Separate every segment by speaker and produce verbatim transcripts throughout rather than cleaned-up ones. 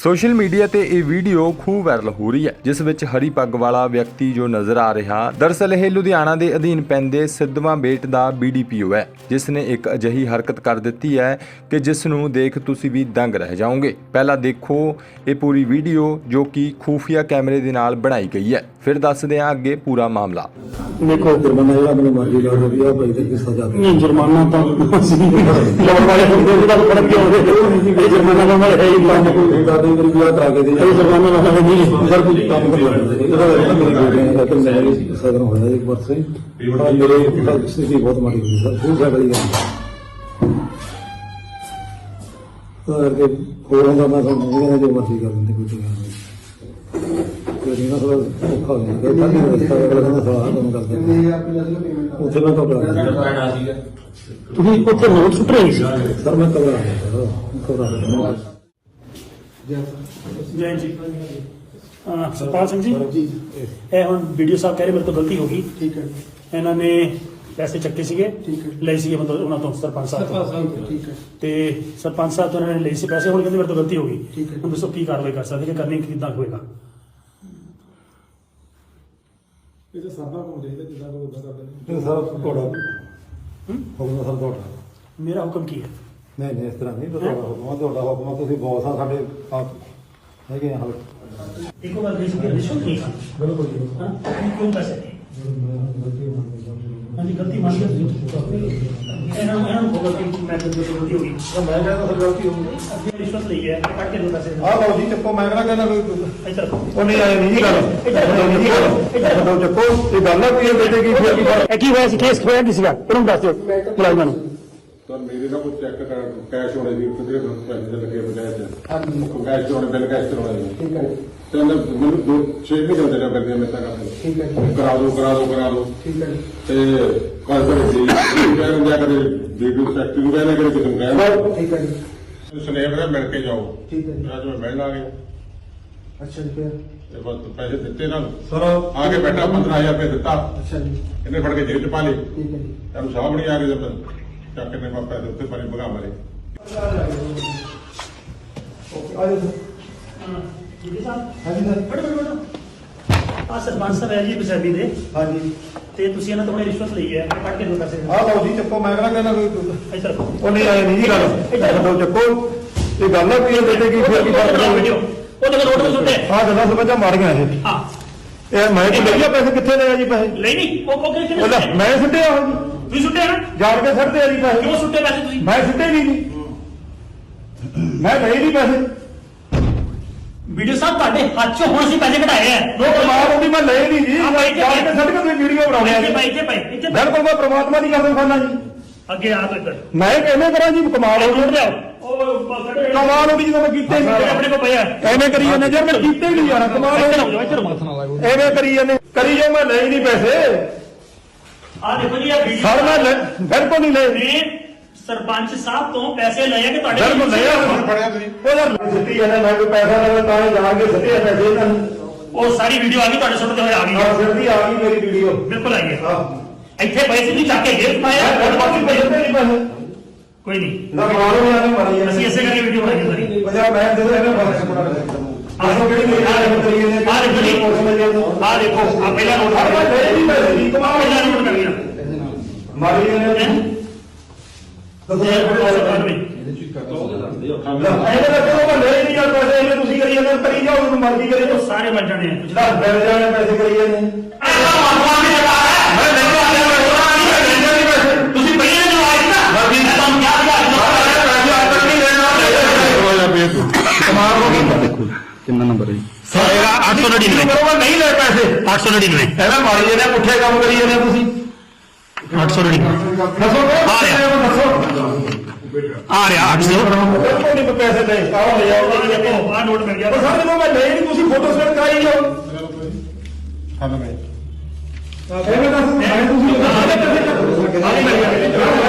Speaker 1: Social media ਤੇ ਇਹ video ਖੂਬ ਵਾਇਰਲ ਹੋ ਰਹੀ ਹੈ, ਜਿਸ ਵਿੱਚ ਹਰੀ ਪੱਗ ਵਾਲਾ ਵਿਅਕਤੀ ਜੋ ਨਜ਼ਰ ਆ ਰਿਹਾ। ਦਰਅਸਲ ਇਹ ਲੁਧਿਆਣਾ ਦੇ ਅਧੀਨ ਪੈਂਦੇ ਸਿੱਧਵਾਂ ਬੇਟ ਦਾ ਬੀ ਡੀ ਪੀ ਓ ਹੈ, ਜਿਸ ਨੇ ਇੱਕ ਅਜਿਹੀ ਹਰਕਤ ਕਰ ਦਿੱਤੀ ਹੈ ਕਿ ਜਿਸ ਨੂੰ ਦੇਖ ਤੁਸੀਂ ਵੀ ਦੰਗ ਰਹਿ ਜਾਓਗੇ। ਪਹਿਲਾਂ ਦੇਖੋ ਇਹ ਪੂਰੀ ਵੀਡੀਓ ਜੋ ਕਿ ਖੂਫੀਆ ਕੈਮਰੇ ਦੇ ਨਾਲ ਬਣਾਈ ਗਈ ਹੈ, ਫਿਰ ਦੱਸਦੇ ਹਾਂ ਅੱਗੇ ਪੂਰਾ ਮਾਮਲਾ।
Speaker 2: देखो जुर्माना जो अपनी मर्जी ला रही है भाई तक सजा नहीं जुर्माना तो लोग वाले का फर्क क्या हो गया जुर्माना तो हमारे है ही नहीं दादी मेरी बात आगे दी जुर्माना वाला नहीं सर कुछ काम कर रहा है मेरी बेटी तो मेरे सदन हो जाए एक बार से मेरे स्थिति बहुत माड़ी हुई सर खूब बड़ी गई सर के होरों का मैं समझ जो मर्जी कर देते कुछ नहीं ਨਾ ਥੋੜਾ ਔਖਾ ਹੋ ਗਿਆ ਤਾਂ ਨਹੀਂ ਰਸਤਾ ਅਗਲਾ ਕਹਿੰਦਾ ਸਵਾਲ ਕੰਮ ਕਰਦੇ ਉੱਥੇ ਮੈਂ ਘਬਰਾ ਗਿਆ। ਤੁਸੀਂ ਉੱਥੇ ਨੋਟ ਸੁੱਟ ਰਹੇ ਸੀ? ਸਰ ਮੈਂ ਘਬਰਾ ਗਿਆ ਘਬਰਾ ਗਿਆ
Speaker 3: ਜੈ ਜੀ। ਸਰਪਾਲ ਸਿੰਘ ਜੀ, ਇਹ ਹੁਣ ਵੀਡੀਓ ਸਾਹਿਬ ਕਹਿ ਰਹੇ ਮੇਰੇ ਤੋਂ ਗਲਤੀ ਹੋ ਗਈ। ਠੀਕ ਹੈ। ਇਹਨਾਂ ਨੇ ਪੈਸੇ ਚੱਕੇ ਸੀਗੇ, ਲਏ ਸੀਗੇ ਮਤਲਬ ਉਹਨਾਂ ਤੋਂ ਸਰਪੰਚ ਸਾਹਿਬ ਤੋਂ। ਠੀਕ ਹੈ। ਤੇ ਸਰਪੰਚ ਸਾਹਿਬ ਤੋਂ ਇਹਨਾਂ ਨੇ ਲਏ ਸੀ ਪੈਸੇ, ਹੁਣ ਕਹਿੰਦੇ ਮੇਰੇ ਤੋਂ ਗਲਤੀ ਹੋ ਗਈ। ਹੁਣ ਦੱਸੋ ਕੀ ਕਾਰਵਾਈ ਕਰ ਸਕਦੇ ਕਿ ਕਰਨੀ ਕਿੱਦਾਂ ਹੋਏਗਾ?
Speaker 2: ਇਹ ਤਾਂ ਸਾਡਾ ਕੰਮ ਚਾਹੀਦਾ ਜਿੱਦਾਂ ਕੋਈ ਉਦਾਂ ਕਰਦੇ ਨੇ ਸਰ ਤੁਹਾਡਾ ਹੁਕਮ ਸਰ ਤੁਹਾਡਾ
Speaker 3: ਮੇਰਾ ਹੁਕਮ ਕੀ ਹੈ?
Speaker 2: ਨਹੀਂ ਨਹੀਂ ਇਸ ਤਰ੍ਹਾਂ ਨਹੀਂ ਤੁਹਾਡਾ ਹੁਕਮ ਤੁਹਾਡਾ ਹੁਕਮ ਤੁਸੀਂ ਬੌਸ ਆ ਸਾਡੇ ਆਪ ਹੈਗੇ ਆ ਹਲ
Speaker 3: ਇੱਕੋ ਵਾਰ ਦੇ ਸੀ ਰਿਸ਼ਵਤ ਨਹੀਂ ਖਾਣੀ ਬਿਲਕੁਲ ਜੀ। ਹਾਂ ਕਿਉਂ ਪੈਸੇ ਹਾਂਜੀ ਗਲਤੀ ਮੰਨ ਗਿਆ ਇਹਨਾਂ ਨੂੰ ਇਹਨਾਂ ਨੂੰ ਗਲਤੀ ਮੈਂ ਤੋਂ ਗਲਤੀ ਹੋ ਗਈ
Speaker 2: ਮੈਂ ਕਹਿੰਦਾ ਸਰ ਗਲਤੀ ਹੋ ਗਈ
Speaker 3: ਅੱਗੇ ਰਿਸ਼ਵਤ ਲਈ ਹੈ ਕੱਟ ਕੇ ਦੋ ਪੈਸੇ
Speaker 2: ਆਹ ਲਓ ਜੀ ਚੱਕੋ ਮੈਂ ਕਹਿੰਦਾ ਕਹਿੰਦਾ ਕੋਈ
Speaker 3: ਇੱਧਰ
Speaker 2: ਉਹ ਨਹੀਂ ਆਏ ਨਹੀਂ ਗੱਲ ਨਹੀਂ ਗੱਲ ਇੱਧਰ ਚੱਕੋ ਇਹ ਗੱਲ ਆ ਵੀ ਇਹ ਬੇਟੇ ਕੀ ਫਿਰ ਕੀ
Speaker 3: ਇਹ ਕੀ ਹੋਇਆ ਸੀ? ਕੇਸ ਹੋਇਆ ਕੀ ਸੀਗਾ? ਉਹਨੂੰ ਦੱਸ ਦਿਓ ਮੁਲਾਜ਼ਮਾਂ ਨੂੰ।
Speaker 4: ਤਾਂ ਮੇਰੇ ਨਾਲ ਕੋਈ ਚੈੱਕ ਕਰ ਕੈਸ਼ ਹੋਣੇ ਦੀ ਕਿਤੇ ਪੈਸੇ ਦੇ ਲੱਗੇ ਪੰਚਾਇਤ ਚ ਹਾਂਜੀ ਕੈਸ਼ ਹੋਣੇ ਬਿੱਲ ਕੈਸ਼ ਕਰਵਾਉਣੇ ਠੀਕ ਹੈ ਤੇ ਮੈਨੂੰ ਦੋ ਛੇ ਮਹੀਨੇ ਦੇ ਲੱਗ ਗਏ ਮੇਰੇ ਤੱਕ ਠੀਕ ਹੈ ਕਰਾ ਦੋ ਕਰਾ ਦੋ ਕਰਾ ਦੋ ਠੀਕ ਹੈ ਤੇ ਕੱਲ ਕਰੇ ਜੀ ਕਹਿੰਦੇ ਜਾ ਕਰੇ ਵੀਡੀਓ ਫੈਕਟਰੀ ਨੂੰ ਕਹਿੰਦੇ ਕਰੇ ਕਿਸੇ ਨੂੰ ਕਹਿੰਦੇ
Speaker 2: ਠੀਕ ਹੈ ਜੀ
Speaker 4: ਸਨੇਹ ਦਾ ਮਿਲ ਕੇ ਜਾਓ
Speaker 2: ਠੀਕ ਹੈ
Speaker 4: ਅੱਜ ਮੈਂ ਮਿਲਣ ਆ ਗਿਆ।
Speaker 2: ਅੱਛਾ ਜੀ ਫਿਰ
Speaker 4: ਤੇ ਬਸ ਪੈਸੇ ਦਿੱਤੇ ਨਾਲ
Speaker 2: ਸਰ
Speaker 4: ਆ ਕੇ ਬੈਠਾ ਪੰਦਰਾਂ ਹਜ਼ਾਰ ਰੁਪਏ ਦਿੱਤਾ।
Speaker 2: ਅੱਛਾ ਜੀ
Speaker 4: ਇਹਨੇ ਫੜ ਕੇ ਜੇਬ ਚ ਪਾ ਲਏ।
Speaker 2: ਠੀਕ ਹੈ ਜੀ
Speaker 4: ਇਹਨੂੰ ਸਾਹਬ ਨਹੀਂ ਆ ਗਏ ਜਦ ਚੱਕ ਨੇ ਮਾਪੇ ਦੇ ਉੱਤੇ ਪਾਣੀ ਭਗਾ ਮਾਰੇ।
Speaker 2: ਓਕੇ ਆ ਜਾਓ
Speaker 3: ਜੀ ਸਾਹਿਬ
Speaker 2: ਹਾਂਜੀ ਸਰ
Speaker 3: ਬੜੋ ਬੜੋ ਬੜੋ ਆ ਸਰਪੰਚ ਸਾਹਿਬ ਹੈ ਜੀ ਪੰਜਾਬੀ ਦੇ
Speaker 2: ਹਾਂਜੀ
Speaker 3: ਤੇ ਤੁਸੀਂ ਇਹਨਾਂ ਤੋਂ ਰਿਸ਼ਵਤ ਲਈ ਹੈ ਕੱਟ ਕੇ ਦੋ ਪੈਸੇ
Speaker 2: ਆਹ ਲਓ ਜੀ ਚੱਕੋ ਮੈਂ ਕਹਿੰਦਾ ਕਹਿੰਦਾ ਕੋਈ
Speaker 3: ਇੱਧਰ
Speaker 2: ਉਹ ਨਹੀਂ ਆਏ ਨਹੀਂ ਗੱਲ ਇੱਧਰ ਚੱਕੋ ਇਹ ਗੱਲ ਆ ਵੀ ਇਹ ਬੇਟੇ ਕੀ ਫਿਰ ਕੀ
Speaker 3: ਵੀਡੀਓ ਉਹ ਦੇਖੋ ਰੋਡ ਤੇ ਸੁੱਟੇ
Speaker 2: ਆਹ ਗੱਲਾਂ ਸਮਝਾ ਮਾਰੀਆਂ ਇਹ
Speaker 3: ਹਾਂ
Speaker 2: ਇਹ ਮੈਂ ਕਿ ਲਈਆ ਪੈਸੇ ਕਿੱਥੇ ਲਏ ਆ ਜੀ ਪੈਸੇ
Speaker 3: ਲਈ ਨਹੀਂ ਉਹ ਉਹ ਕਿਹਨੇ
Speaker 2: ਉਹ ਲੈ,
Speaker 3: ਸੁੱਟੇ?
Speaker 2: ਮੈਂ ਸਿੱਟੇ ਆ ਜੀ
Speaker 3: ਤੁਸੀਂ ਸੁੱਟੇ ਨਾ
Speaker 2: ਜਾਣ ਕੇ ਸਿੱਟਦੇ ਆ ਜੀ ਪੈਸੇ
Speaker 3: ਕਿਉਂ ਸੁੱਟੇ ਪੈਸੇ ਤੁਸੀਂ?
Speaker 2: ਮੈਂ ਸਿੱਟੇ ਨਹੀਂ ਜੀ ਮੈਂ ਲਏ ਨਹੀਂ ਪੈਸੇ
Speaker 3: ਵੀਡੀਓ ਸਾਹਿਬ ਤੁਹਾਡੇ ਹੱਥ ਚੋਂ ਹੁਣ ਅਸੀਂ ਪੈਸੇ ਕਢਾਏ ਆ
Speaker 2: ਉਹ ਪ੍ਰਮਾਤਮਾ ਉਹਦੀ ਮੈਂ ਲਏ ਨਹੀਂ ਜੀ
Speaker 3: ਹਾਂ, ਭਾਈ ਜੀ,
Speaker 2: ਜਾਣ ਕੇ ਸਿੱਟ ਕੇ ਤੁਸੀਂ ਵੀਡੀਓ ਬਣਾਉਣੇ ਆ
Speaker 3: ਇੱਥੇ
Speaker 2: ਜੀ
Speaker 3: ਭਾਈ ਇੱਥੇ ਭਾਈ ਇੱਥੇ ਭਾਈ।
Speaker 2: ਬਿਲਕੁਲ ਮੈਂ ਪ੍ਰਮਾਤਮਾ ਦੀ ਗੱਲ ਕਰਨਾ ਜੀ
Speaker 3: ਅੱਗੇ ਆ ਤੋ ਇੱਧਰ
Speaker 2: ਮੈਂ ਕਿਵੇਂ ਕਰਾਂ ਜੀ ਕਮਾਲ ਹੋ
Speaker 3: ਰੋਡ
Speaker 2: ਗਈ
Speaker 3: ਤੇ ਆਓ ਉਹ ਕੱਢੋ
Speaker 2: ਕਮਾਲ ਹੋ ਗਈ ਜਦੋਂ ਮੈਂ ਕੀਤੇ
Speaker 3: ਜਿਹੜੇ
Speaker 2: ਨਹੀਂ
Speaker 3: ਆਪਣੇ ਕੋਲ ਪਿਆ
Speaker 2: ਐਵੇਂ ਕਰੀ ਜਾਂਦੇ ਯਾਰ ਮੈਂ ਕੀਤੇ ਹੀ ਨਹੀਂ ਯਾਰ ਕਮਾਲ ਹੋ
Speaker 3: ਇੱਧਰ
Speaker 2: ਗਈ
Speaker 3: ਆਓ ਇੱਧਰ ਮੱਥਾ ਨਾ ਲਾਗੋ।
Speaker 2: ਐਵੇਂ ਕਰੀ ਜਾਂਦੇ ਕਰੀ ਜਾਓ ਮੈਂ ਲਏ ਨਹੀਂ ਪੈਸੇ
Speaker 3: ਆ ਦੇਖੋ ਜੀ ਇਹ ਵੀਡੀਓ
Speaker 2: ਸਰ ਮੈਂ ਲੈ- ਬਿਲਕੁਲ ਨਹੀਂ ਲਏ
Speaker 3: ਨੇ ਸਰਪੰਚ ਸਾਹਿਬ ਤੋਂ ਪੈਸੇ ਲਏ ਆ ਕਿ ਤੁਹਾਡੇ
Speaker 2: ਬਿਲਕੁਲ ਨਹੀਂ ਆ
Speaker 4: ਫੜਿਆ ਤੁਸੀਂ
Speaker 2: ਉਹ ਯਾਰ ਸਿੱਟੀ ਜਾਂਦਾ ਮੈਂ ਕੋਈ ਪੈਸਾ ਨਾ ਤਾਂ ਹੀ ਜਾ ਕੇ ਸਿੱਟੇ ਪੈਸੇ ਇਹਨਾਂ ਨੂੰ
Speaker 3: ਉਹ ਸਾਰੀ ਵੀਡੀਓ ਆ ਗਈ ਤੁਹਾਡੇ ਸੁਣਦੇ ਹੋਏ ਆ ਗਈ
Speaker 2: ਆਹ ਸਿੱਟੀ ਆ ਗਈ ਮੇਰੀ ਵੀਡੀਓ
Speaker 3: ਬਿਲਕੁਲ ਆਈ ਹੈ
Speaker 2: ਆਹ
Speaker 3: ਇੱਥੇ ਪੈਸੇ ਨਹੀਂ ਚੱਕ ਕੇ ਜੇਬ ਪਾਇਆ
Speaker 2: ਮੈਂ ਬਾਕੀ ਪੈਸੇ ਨਹੀਂ ਪੈਸੇ
Speaker 3: ਕੋਈ ਨਹੀਂ
Speaker 2: ਨਾ ਮਾਰੋ ਯਾਰ ਮਾਰੀ ਜਾਂਦੇ
Speaker 3: ਅਸੀਂ ਇਸੇ ਕਰਕੇ ਵੀਡੀਓ ਬਣਾਈ ਸਾਰੀ
Speaker 2: ਪੰਜਾਬ ਮੈਂ ਦੇ ਦੋ ਇਹਨਾਂ ਬਾਰੇ ਸੁਣਾ ਆਸੋ ਕਿਹੜੀ ਮੇਰੀ ਆ ਰਹੀ ਤਰੀਕੇ ਨੇ
Speaker 3: ਆ ਦੇਖੋ ਜੀ ਆ ਦੇਖੋ ਆ ਪਹਿਲਾ ਨੋਟ
Speaker 2: ਹਰ ਵਾਰ ਦੇ ਨਹੀਂ ਪੈਸੇ ਦੀ ਕਮਾਲ
Speaker 3: ਪਹਿਲਾ ਨੋਟ ਕਰ ਲਿਆ
Speaker 2: ਮਾਰੀ ਜਾਂਦੇ ਦੱਸੋ ਯਾਰ ਕੋਈ ਪੈਸੇ ਨਹੀਂ ਇਹਦੇ ਵਿੱਚ ਉਹ ਲੈ ਨਹੀਂ ਯਾਰ ਪੈਸੇ ਇਹਨੇ ਤੁਸੀਂ ਕਰੀ ਜਾਂਦੇ ਕਰੀ ਜਾਓ ਉਹਨੂੰ ਮਰਜ਼ੀ ਕਰੇ
Speaker 3: ਉਹ ਸਾਰੇ ਮਰ ਜਾਣੇ ਆ
Speaker 2: ਜਿਹੜਾ ਬਿਲ ਜਾਣੇ ਪੈਸੇ ਕਰੀ ਜਾਂਦੇ ਮੈਂ ਨਹੀਂ ਆਇਆ ਪੈਸੇ
Speaker 3: ਤੁਸੀਂ ਪਹਿਲਾਂ ਜੋ ਆਏ ਨਾ ਮੈਂ ਤੁਹਾਨੂੰ ਕਿਹਾ
Speaker 2: ਕਮਾਲ ਹੋ ਗਈ
Speaker 5: ਦੇਖੋ ਕਿੰਨਾ ਨੰਬਰ ਹੈ
Speaker 3: ਸਾਰਾ ਅੱਠ ਸੌ ਨੜਿਨਵੇਂ
Speaker 2: ਕਰੋਗਾ ਨਹੀਂ ਲੈ ਪੈਸੇ
Speaker 3: ਅੱਠ ਸੌ ਨੜਿਨਵੇਂ
Speaker 2: ਐਵੇਂ ਮਾਰੀ ਜਾਂਦੇ ਪੁੱਠੇ ਕੰਮ ਕਰੀ ਜਾਂਦੇ ਤੁਸੀਂ
Speaker 3: ਅੱਠ ਸੌ ਨੜਿਨਵੇਂ
Speaker 2: ਦੱਸੋ
Speaker 3: ਆ ਰਿਹਾ।
Speaker 2: ਦੱਸੋ
Speaker 3: ਆ ਰਿਹਾ ਅੱਠ ਸੌ
Speaker 2: ਬਿਲਕੁਲ ਨਹੀਂ ਪੈਸੇ ਲੈ ਆਓ ਲੈ ਆਓ
Speaker 3: ਦੇਖੋ ਆ ਨੋਟ ਮਿਲ ਗਿਆ
Speaker 2: ਪਰ ਸਰ ਜਦੋਂ ਮੈਂ ਲੈ ਨਹੀਂ ਤੁਸੀਂ ਫੋਟੋ ਸੈਂਡ ਕਰਾਈ ਜਾਓ
Speaker 4: ਹਾਂ ਮੈਂ
Speaker 2: ਐਵੇਂ ਦੱਸ ਮੈਂ ਤੁਸੀਂ ਆਲੇ ਪੈਸੇ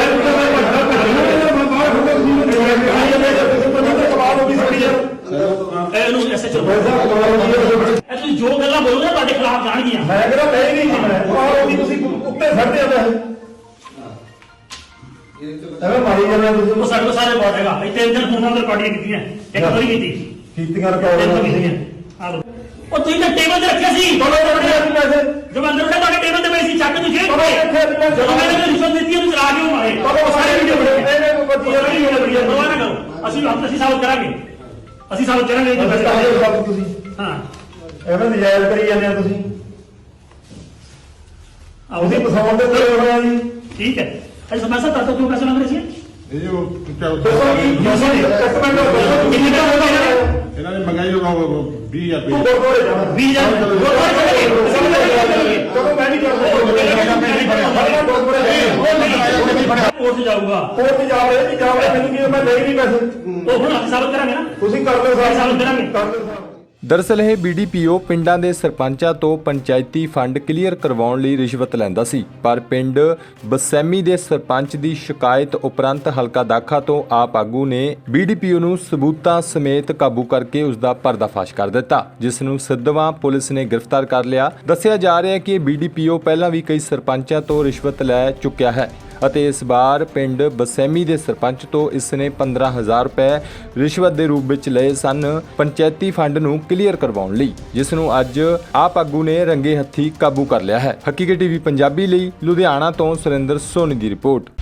Speaker 2: ਕਮਾਲ ਹੋ ਗਈ ਸਾਡੀ ਯਾਰ
Speaker 3: ਇਹਨੂੰ ਐਸੇ ਚਲੋ
Speaker 2: ਪੈਸਾ ਕਮਾਲ ਹੋ ਗਈ
Speaker 3: ਇਹ ਤੁਸੀਂ ਜੋ ਗੱਲਾਂ ਬੋਲੋਗੇ ਤੁਹਾਡੇ ਖਿਲਾਫ ਜਾਣਗੀਆਂ
Speaker 2: ਮੈਂ ਕਿਹਾ ਲੈ ਨਹੀਂ ਜੀ ਮੈਂ ਕਮਾਲ ਹੋ ਗਈ ਤੁਸੀਂ ਉੱਤੇ ਛੱਡਦੇ ਆ ਪੈਸੇ ਐਵੇਂ ਮਾਰੀ ਜਾਂਦੇ ਤੁਸੀਂ
Speaker 3: ਉਹ ਸਾਡੇ ਕੋਲ ਸਾਰੇ ਰਿਕਾਰਡ ਹੈਗਾ ਇੱਥੇ ਇੰਦਰ ਫੋਨਾਂ ਤੇ ਰਿਕਾਰਡਿੰਗ ਕੀਤੀਆਂ ਇੱਕ ਵਾਰੀ ਕੀਤੀ
Speaker 2: ਕੀਤੀਆਂ ਰਿਕਾਰਡ ਤੁਸੀਂ
Speaker 3: ਆ ਲਓ ਉਹ ਤੁਸੀਂ ਤਾਂ ਟੇਬਲ ਤੇ ਰੱਖਿਆ ਸੀ
Speaker 2: ਚਲੋ ਰੱਖਿਆ ਸੀ ਪੈਸੇ
Speaker 3: ਜਦ ਅੰਦਰ ਉੱਠੇ ਤੁਹਾਡੇ ਟੇਬਲ ਤੇ ਪਏ ਸੀ ਚੱਕ ਤੁਸੀਂ
Speaker 2: ਚਲੋ ਰੱਖਿਆ ਸੀ ਪੈਸੇ
Speaker 3: ਜਦੋਂ ਮੈਂ ਇਹਨੂੰ ਰਿਸ਼ਵਤ ਦਿੱਤੀ ਉਹਨੂੰ ਚਲਾ ਕਿਉਂ ਮਾਰੇ
Speaker 2: ਚਲੋ ਸਾਰੇ ਵੀਡੀਓ ਬਣੇ ਇਹਨੇ ਕੋਈ ਬੱਤੀ
Speaker 3: ਨਹੀਂ ਹੋਣੀ ਪਰਵਾਹ ਨਾ ਕਰੋ ਅਸੀਂ ਅਸੀਂ ਸਾਬਤ ਕਰਾਂਗੇ ਅਸੀਂ ਸਾਬਤ ਕਰਾਂਗੇ ਜੋ
Speaker 2: ਪੈਸੇ
Speaker 3: ਪੈਸੇ
Speaker 2: ਸਭ ਤੁਸੀਂ
Speaker 3: ਹਾਂ
Speaker 2: ਐਵੇਂ ਨਜਾਇਜ਼ ਕਰੀ ਜਾਂਦੇ ਆ ਤੁਸੀਂ ਤੁਸੀਂ ਪਸਾਉਣ ਦੇ ਤੇ ਹੋਣਾ ਜੀ
Speaker 3: ਠੀਕ ਹੈ ਅੱਜ ਸਮਾਂ ਸਾਹਿਬ ਤੁਹਾਡੇ ਤੋਂ ਕਿਉਂ ਪੈਸੇ ਮੰਗ ਰਹੇ ਸੀ
Speaker 4: ਇਹ ਜੋ
Speaker 2: ਦੱਸੋ ਕੀ ਦੱਸੋ ਜੀ ਇੱਕ ਮਿੰਟ ਦੱਸੋ
Speaker 3: ਕਿੰਨੇ ਦਾ ਹੋਗਾ ਇਹਨਾਂ ਨੇ
Speaker 4: ਇਹਨਾਂ ਨੇ ਮੰਗਾਈ ਉਹ ਵੀਹ ਹਜ਼ਾਰ
Speaker 2: ਤੂੰ
Speaker 4: ਰੁਪਏ
Speaker 2: ਗੁਰਦੁਆਰੇ ਜਾਣਾ
Speaker 3: ਵੀਹ ਹਜ਼ਾਰ ਗੁਰਦੁਆਰੇ ਚਲੇ ਗਏ
Speaker 2: ਚਲੋ ਮੈਂ ਨਹੀਂ ਕਰਦਾ
Speaker 3: ਕੋਰਟ ਜਾਊਗਾ
Speaker 2: ਕੋਰਟ ਜਾ ਰਹੇ ਨਹੀਂ ਜਾ ਰਹੇ ਮੈਨੂੰ ਕੀ ਮੈਂ ਲੈ ਨਹੀਂ ਪੈਸੇ
Speaker 3: ਉਹ ਹੁਣ ਅਸੀਂ ਸਾਬਤ ਕਰਾਂਗੇ ਨਾ
Speaker 2: ਤੁਸੀਂ ਕਰ ਲਓ
Speaker 3: ਸਾਬਤ
Speaker 2: ਸਾਹਿਬ
Speaker 3: ਕਰਾਂਗੇ
Speaker 2: ਕਰ ਲਓ ਸਾਹਿਬ
Speaker 1: ਦਰਅਸਲ ਇਹ ਬੀਡੀਪੀਓ ਪਿੰਡਾਂ ਦੇ ਸਰਪੰਚਾਂ ਤੋਂ ਪੰਚਾਇਤੀ ਫੰਡ ਕਲੀਅਰ ਕਰਵਾਉਣ ਲਈ ਰਿਸ਼ਵਤ ਲੈਂਦਾ ਸੀ, ਪਰ ਪਿੰਡ ਬਸੈਮੀ ਦੇ ਸਰਪੰਚ ਦੀ ਸ਼ਿਕਾਇਤ ਉਪਰੰਤ ਹਲਕਾ ਦਾਖਾ ਤੋਂ ਆਪ ਆਗੂ ਨੇ ਬੀਡੀਪੀਓ ਨੂੰ ਸਬੂਤਾਂ ਸਮੇਤ ਕਾਬੂ ਕਰਕੇ ਉਸ ਦਾ ਪਰਦਾਫਾਸ਼ ਕਰ ਦਿੱਤਾ, ਜਿਸ ਨੂੰ ਸਿੱਧਵਾਂ ਪੁਲਿਸ ਨੇ ਗ੍ਰਿਫਤਾਰ ਕਰ ਲਿਆ। ਦੱਸਿਆ ਜਾ ਰਿਹਾ ਹੈ ਕਿ ਬੀਡੀਪੀਓ ਪਹਿਲਾਂ ਵੀ ਕਈ ਸਰਪੰਚਾਂ ਤੋਂ ਰਿਸ਼ਵਤ ਲੈ ਚੁੱਕਿਆ ਹੈ ਅਤੇ ਇਸ ਵਾਰ ਪਿੰਡ ਬਸੈਮੀ ਦੇ ਸਰਪੰਚ ਤੋਂ ਇਸ ਨੇ ਪੰਦਰਾਂ ਹਜ਼ਾਰ ਰੁਪਏ ਰਿਸ਼ਵਤ ਦੇ ਰੂਪ ਵਿੱਚ ਲਏ ਸਨ ਪੰਚਾਇਤੀ ਫੰਡ ਨੂੰ ਕਲੀਅਰ ਕਰਵਾਉਣ ਲਈ, ਜਿਸ ਨੂੰ ਅੱਜ ਆਪ ਆਗੂ ਨੇ ਰੰਗੇ ਹੱਥੀ ਕਾਬੂ ਕਰ ਲਿਆ ਹੈ। ਹਕੀਕਤ ਟੀਵੀ ਪੰਜਾਬੀ ਲਈ ਲੁਧਿਆਣਾ ਤੋਂ ਸੁਰਿੰਦਰ ਸੋਨੀ ਦੀ ਰਿਪੋਰਟ।